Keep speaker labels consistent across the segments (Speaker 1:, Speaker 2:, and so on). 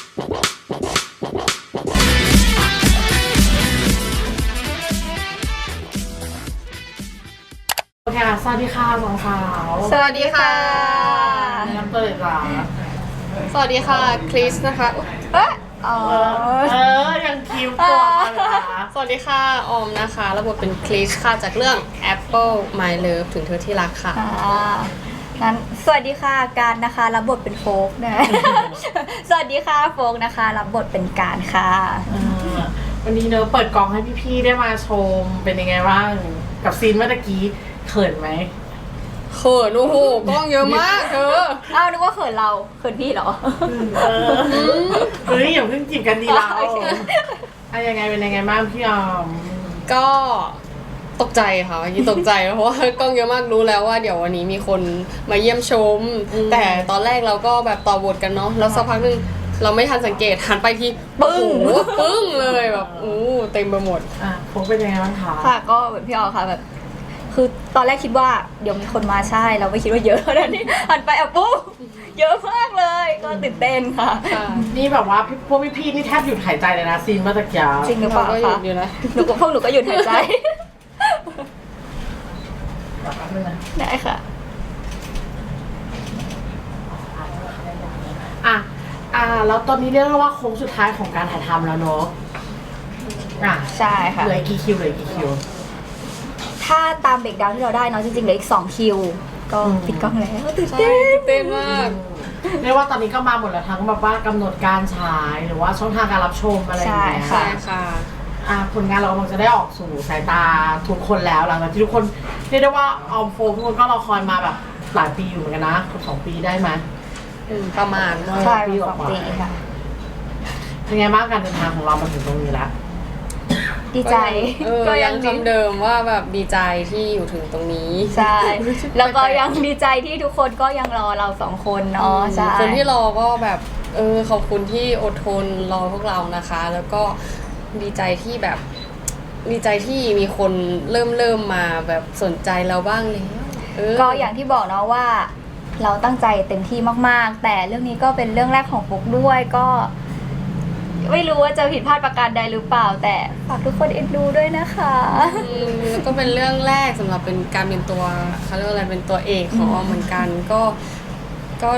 Speaker 1: โอเคค่ะสวัสดีค่ะสองสาว
Speaker 2: สวัสดีค่ะ
Speaker 1: แนะนำตัวเลยจ้า
Speaker 2: สวัสดีค่ะคริสนะคะเอ๊ะอ๋อ
Speaker 1: ยังคิวตัวมาเลยนะ
Speaker 2: สวัสดีค่ะออมนะคะรับบทเป็นคริสค่ะจากเรื่อง Apple My Love ถึงเธอที่รักค่ะ
Speaker 3: งั้นสวัสดีค่ะการนะคะรับบทเป็นโฟกนะ สวัสดีค่ะโฟกนะคะรับบทเป็นการค่ะ
Speaker 1: วันนี้เนอะเปิดกองให้พี่ๆได้มาชมเป็นยังไงบ้างกับซีนเมื่อกี้เขินไหม
Speaker 2: เขินโอ้โหกล้องเยอะมากเธอ
Speaker 3: อ้าวนึกว่าเขินเราเขินพี่เหรอ
Speaker 1: เฮ้ยอย่าเพิ่งจีบกันดีเรา
Speaker 3: โอเค
Speaker 1: ยังไงเป็นยังไงบ้างพี่ออม
Speaker 2: ก็ตกใจค่ะเมื่อกี้ตกใจเพราะว่ากล้องเยอะมากรู้แล้วว่าเดี๋ยววันนี้มีคนมาเยี่ยมชม แต่ตอนแรกเราก็แบบต่อบทกันเนาะแล้วสักพักนึงเราไม่ทันสังเกตหันไปทีปึ้งปึ้งเลยแบบเต็มไปหมด
Speaker 1: ผมเป็นยังไงบ้างคะ
Speaker 3: ค่ะก็แบบพี่ออค่ะแบบ คือตอนแรกคิดว่าเดี๋ยวมีคนมาใช่เราไม่คิดว่าเยอะแล้วนี่หันไปอ่ะปุ๊บเยอะมากเลยก็ตื่นเต้นค่ะ
Speaker 1: นี่แบบว่าพวกพี่ๆนี่แทบหยุดหายใจเลยนะซีนเมื่อกี้
Speaker 3: จริงหรือเปล่า
Speaker 2: ก็หยุ
Speaker 3: คะ
Speaker 2: ดอยู่นะ
Speaker 3: พวกหนูก็หยุดหายใจ
Speaker 1: แบบนั้นนะ
Speaker 3: ได้ค่ะ
Speaker 1: แล้วตอนนี้เรียกได้ว่าโค้งสุดท้ายของการถ่ายทำแล้วเนอะ
Speaker 3: ใช่ค่ะ
Speaker 1: เหลือกี่คิวเหลือกี่คิว
Speaker 3: ถ้าตามเบรกดาวน์ที่เราได้เนาะจริงๆเหลืออีก2คิวก็ปิดกล้องแล้วตื่น
Speaker 2: ใช่
Speaker 3: เต้น
Speaker 2: ตื่นเต้นมาก
Speaker 1: เรียกว่าตอนนี้ก็มาหมดแล้วทั้งแบบว่ากำหนดการฉายหรือว่าช่องทางการรับชมอะไรอย่างเงี้ย
Speaker 2: ใช่ค่ะ
Speaker 1: ผลงานเรากำลังจะได้ออกสู่สายตาทุกคนแล้วหลังจากที่ทุกคนเรียกได้ว่าออมโฟมทุกคนก็รอคอยมาแบบหลายปีอยู่เหมือนกันนะเกือบ2 ปีได้ไหม
Speaker 2: ประมาณ
Speaker 3: ใช่
Speaker 1: ปีก
Speaker 3: สอง
Speaker 1: ว่า
Speaker 3: ปีค่ะ
Speaker 1: เป็นไงบ้างการเดินทางของเรามาถึงตรงนี้แล้ว
Speaker 3: ดีใจ
Speaker 2: ก็ยังคำเดิมว่าแบบดีใจที่อยู่ถึงตรงนี้
Speaker 3: ใช่ แล้วก็ยังดีใจที่ทุกคนก็ยังรอเรา2คนเนาะใช่
Speaker 2: คนที่รอก็แบบขอบคุณที่อดทนรอพวกเรานะคะ แล้วก็ดีใจที่แบบดีใจที่มีคนเริ่มมาแบบสนใจเราบ้างแล้ว
Speaker 3: ก็อย่างที่บอกเนาะว่า เราตั้งใจเต็มที่มากๆ แต่เรื่องนี้ก็เป็นเรื่องแรกของปุ๊กด้วยก็ ไม่รู้ว่าจะผิดพลาดประการใดหรือเปล่า แต่ฝากทุกคนเอ็นดูด้วยนะคะ
Speaker 2: แล้วก็เป็นเรื่องแรกสำหรับเป็นการเป็นตัวเขาเรียกว่าอะไรเป็นตัวเอกของออมเหมือนกันก็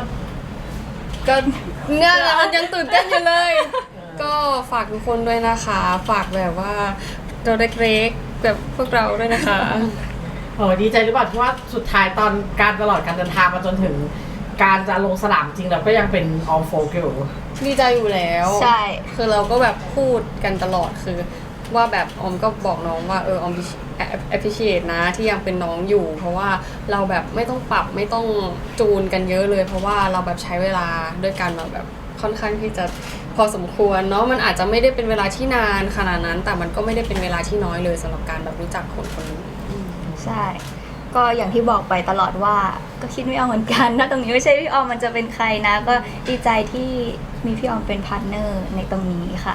Speaker 2: เนี่ยแหละมันยังตื่นเต้นอยู่เลย ก็ฝากทุกคนด้วยนะคะ ฝากแบบว่าตัวเล็กๆแบบพวกเราด้วยนะคะ
Speaker 1: ดีใจหรือเปล่าที่ว่าสุดท้ายตอนการตลอดการเดินทางมาจนถึงการจะลงสนามจริงแล้วก็ยังเป็นออมโฟกอยู่
Speaker 2: ดีใจอยู่แล้ว
Speaker 3: ใช่
Speaker 2: คือเราก็แบบพูดกันตลอดคือว่าแบบออมก็บอกน้องว่าออมappreciate นะที่ยังเป็นน้องอยู่ เพราะว่าเราแบบไม่ต้องปรับไม่ต้องจูนกันเยอะเลย เพราะว่าเราแบบใช้เวลาด้วยกันมาแบบค่อนข้างที่จะพอสมควรเนาะมันอาจจะไม่ได้เป็นเวลาที่นานขนาดนั้น แต่มันก็ไม่ได้เป็นเวลาที่น้อยเลยสำหรับการแบบรู้จักคนคนนี้
Speaker 3: ใช่ ก็อย่างที่บอกไปตลอดว่าก็คิดไม่ออกเหมือนกันนะตรงนี้ไม่ใช่พี่ออมมันจะเป็นใครนะ ก็ดีใจที่มีพี่ออมเป็นพาร์ทเนอร์ในตรงนี้ค่ะ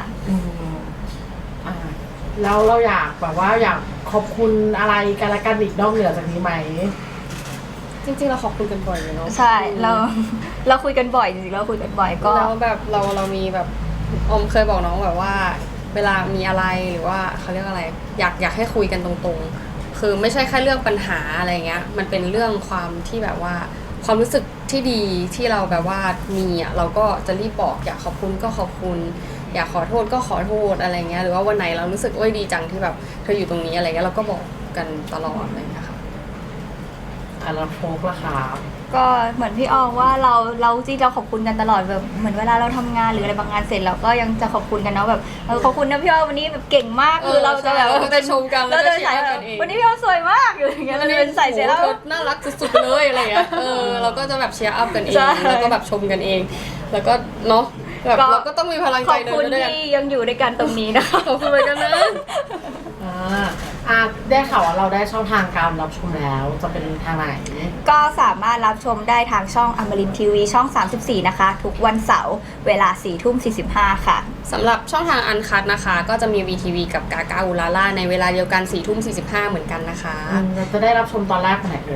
Speaker 1: แล้วเราอยากแบบว่าอยากขอบคุณอะไรกันละกันอีกนอกเหนือจากนี้ไหม
Speaker 2: จริงๆเราขอบคุณกันบ่อยเลยเนาะ
Speaker 3: ใช่ เราคุยกันบ่อยจริงๆเราคุยกันบ่อยก็
Speaker 2: แล้วแบบเรามีแบบออมเคยบอกน้องแบบว่า เวลามีอะไรหรือว่าเขาเรียกอะไรอยากให้คุยกันตรงๆคือไม่ใช่แค่เรื่องปัญหาอะไรเงี้ยมันเป็นเรื่องความที่แบบว่าความรู้สึกที่ดีที่เราแบบว่ามีอ่ะเราก็จะรีบบอกอยากขอบคุณก็ขอบคุณอยากขอโทษก็ขอโทษอะไรเงี้ยหรือว่าวันไหนเรารู้สึกดีจังที่แบบเธออยู่ตรงนี้อะไรเงี้ยเราก็บอกกันตลอดอะไรเงี้ยค่ะ
Speaker 1: แล้วโฟกล่ะครับ
Speaker 3: ก็เหมือนพี่ออมว่าเราจริงเราขอบคุณกันตลอดแบบเหมือนเวลาเราทำงานหรืออะไรบางงานเสร็จเราก็ยังจะขอบคุณกันเนาะแบบขอบคุณนะพี่ออมวันนี้แบบเก่งมากคือเราจะแบบ
Speaker 2: เราจะชมกัน
Speaker 3: เราจะใส่
Speaker 2: แล้วก็เชียร์กันเอง
Speaker 3: วันนี้พี่ออมสวยมากอยู่อย่างเงี้ยเราจะเป็นใส่เสร็จแล้ว
Speaker 2: โอ้โหเธอน่ารักสุดๆเลยอะไรเงี้ยเราก็จะแบบเชียร์อัพกันเอง
Speaker 3: ใช่
Speaker 2: แล้วก็แบบชมกันเอง แล้วก็เนาะแบบเราก็ต้องมีพลัง
Speaker 3: ข
Speaker 2: ใจ
Speaker 3: อบ
Speaker 2: เดิ
Speaker 3: คุณ
Speaker 2: นด้วยกัน
Speaker 3: ที่ยังอยู่ด้วยกันตรงนี้นะคะ
Speaker 2: ขอบคุณเหมือนกันนะ
Speaker 1: ได้ข่าวว่าเราได้ช่องทางการรับชมแล้วจะเป็นทางไหน
Speaker 3: ก็สามารถรับชมได้ทางช่องอมรินทร์ทีวีช่อง 34 นะคะ ทุกวันเสาร์เวลา 4:45 ค่ะ
Speaker 2: สำหรับช่องทางอันคัทนะคะ ก็จะมี VTV กับกากาอุลาล่าในเวลาเดียวกัน 4:45 เหมือนกันนะคะ
Speaker 1: เราจะได้รับชมตอนแรกวันไหนเอ่ย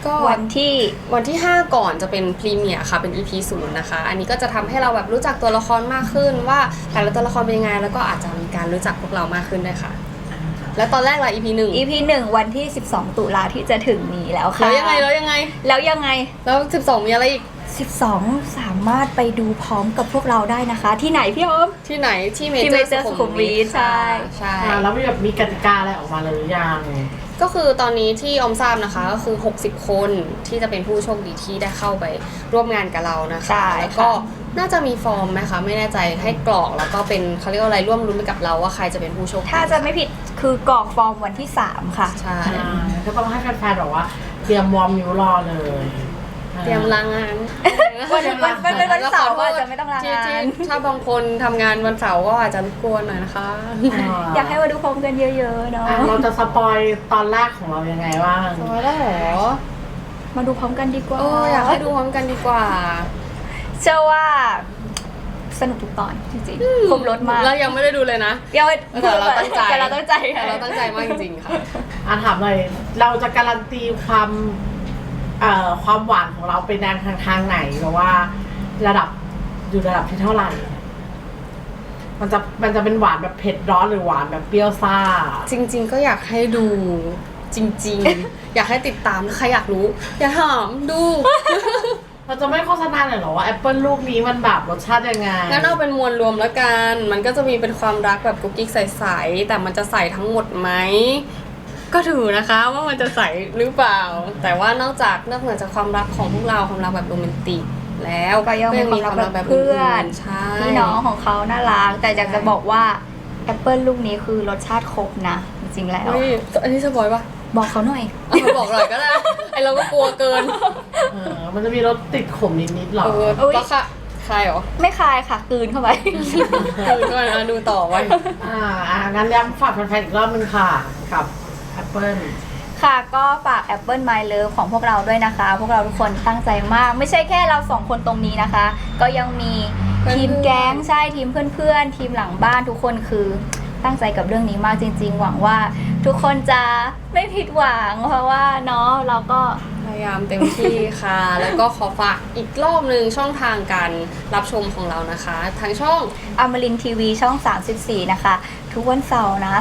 Speaker 2: ก็วันที่ 5 ก่อนจะเป็นพรีเมียร์ค่ะเป็น EP 0นะคะอันนี้ก็จะทำให้เราแบบรู้จักตัวละครมากขึ้นว่าแต่ละตัวละครเป็นยังไงแล้วก็อาจจะมีการรู้จักพวกเรามากขึ้นด้วยค่ะแล้วตอนแรกล่ะ EP 1
Speaker 3: EP 1วันที่12ตุลาที่จะถึงนี้แล้วค่ะ
Speaker 2: แล้วยังไงแล้ว12มีอะไรอีก
Speaker 3: 12สามารถไปดูพร้อมกับพวกเราได้นะคะที่ไหนพี่ออม
Speaker 2: ที่ไหนที่เม
Speaker 3: ที่
Speaker 2: เจ
Speaker 3: เม
Speaker 2: อร์
Speaker 3: เจอร์สุขุมวิทใช่
Speaker 1: แล้วมีกติกาอะไรออกมาเลยหรือยัง
Speaker 2: ก็คือตอนนี้ที่ออมทราบนะคะก็คือ60คนที่จะเป็นผู้โชคดีที่ได้เข้าไปร่วมงานกับเรานะคะแล้วก็น่าจะมีฟอร์มไหมคะไม่แน่ใจให้กรอกแล้วก็เป็นเขาเรียกว่าอะไรร่วมรุ้นไปกับเราว่าใครจะเป็นผู้โชคดี
Speaker 3: ถ้าจะไม่ผิดคือกรอกฟอร์มวันที่3ค่ะ
Speaker 2: ใช่
Speaker 1: ก็ต้องให้แฟนๆบอกว่าเตรียมวอร์มนิ้วรอเลย
Speaker 2: เตรียมลางาน
Speaker 3: วันเป็นวันเสาร์อาจจะไม่ต้องลางาน
Speaker 2: ถ้าบางคนทำงานวันเสาร์ก็อาจจะรบกวนหน่อยนะคะ
Speaker 3: อยากให้มาดูพร้อมกันเยอะๆเนาะ
Speaker 1: เราจะสปอยตอนแรกของเรายังไงบ้าง
Speaker 2: สปอยได้หรอ
Speaker 3: มาดูพร้อมกันดีกว่า
Speaker 2: อยากให้ดูพร้อมกันดีกว่า
Speaker 3: เชื่อว่าสนุกทุกตอนจริงๆครบรถมาก
Speaker 2: เรายังไม่ได้ดูเลยนะ
Speaker 3: แต่เราตั้งใจ
Speaker 2: เราตั้งใจมากจริงๆค่ะ
Speaker 1: ถามหน่อยเราจะการันตีความหวานของเราเป็นทางไหนหรือว่าระดับที่เท่าไหร่มันจะเป็นหวานแบบเผ็ดร้อนหรือหวานแบบเปรี้ยวซ่า
Speaker 2: จริงๆก็อยากให้ดูจริงๆ อยากให้ติดตามใครอยากรู้อย่าถามดู
Speaker 1: เราจะไม่โฆษณาหน่อยหรอว่าแอปเปิลลูกนี้มันแบบรสชาติยังไง
Speaker 2: งั้นเอาเป็นมวลรวมแล้วกันมันก็จะมีเป็นความรักแบบกุ๊กกิ๊กใสๆแต่มันจะใส่ทั้งหมดไหมก็ถือนะคะว่ามันจะใส่หรือเปล่าแต่ว่านอกเหนือจากความรักของพวกเราความรักแบบโรแมนติกแล้ว
Speaker 3: ก็ยังมีความรักแบบเพื่อนพี่น้องของเขาน่ารักแต่อยากจะบอกว่าแอปเปิลลูกนี้คือรสชาติครบนะจริงๆแล้ว
Speaker 2: อันนี้สปอยปะ
Speaker 3: บอกเขาหน่อย
Speaker 2: บอกหน่อยก็ได้ไอเราก็กลัวเกิน
Speaker 1: มันจะมีรสติดขมนิดๆหรอ
Speaker 2: แล้วค่ะคายเหรอ
Speaker 3: ไม่คายค่ะกลืนเข้าไป
Speaker 2: กลืนเข้าไปดูต่อไว้
Speaker 1: งั้นย้ำฝากแฟนๆอีกรอบนึงค่ะกับแอปเปิล
Speaker 3: ค่ะก็ฝาก Apple My Love ของพวกเราด้วยนะคะพวกเราทุกคนตั้งใจมากไม่ใช่แค่เรา2คนตรงนี้นะคะก็ยังมีทีมแก๊งใช่ทีมเพื่อนๆทีมหลังบ้านทุกคนคือตั้งใจกับเรื่องนี้มากจริงๆหวังว่าทุกคนจะไม่ผิดหวังเพราะว่าเนาะเราก็
Speaker 2: พยายามเต็มที่ค่ะแล้วก็ขอฝากอีกรอบนึงช่องทางการรับชมของเรานะคะทางช่อง
Speaker 3: อมรินทร์ทีวีช่อง34นะคะทุกวันเสาร์นะ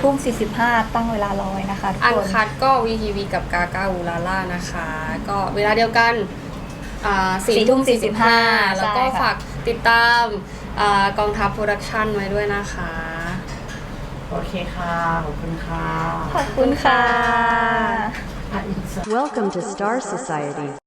Speaker 3: 4:45ตั้งเวลารอไว้นะคะทุกคน
Speaker 2: อันคัดก็ VTV กับกากาอูลาล่านะคะก็เวลาเดียวกัน4:45แล้วก็ฝากติดตามกองทัพโปรดักชั่นไว้ด้วยนะคะ
Speaker 1: โอเคค่ะขอบคุณค่ะ
Speaker 3: ขอบคุณค่ะ
Speaker 4: Welcome to Star Society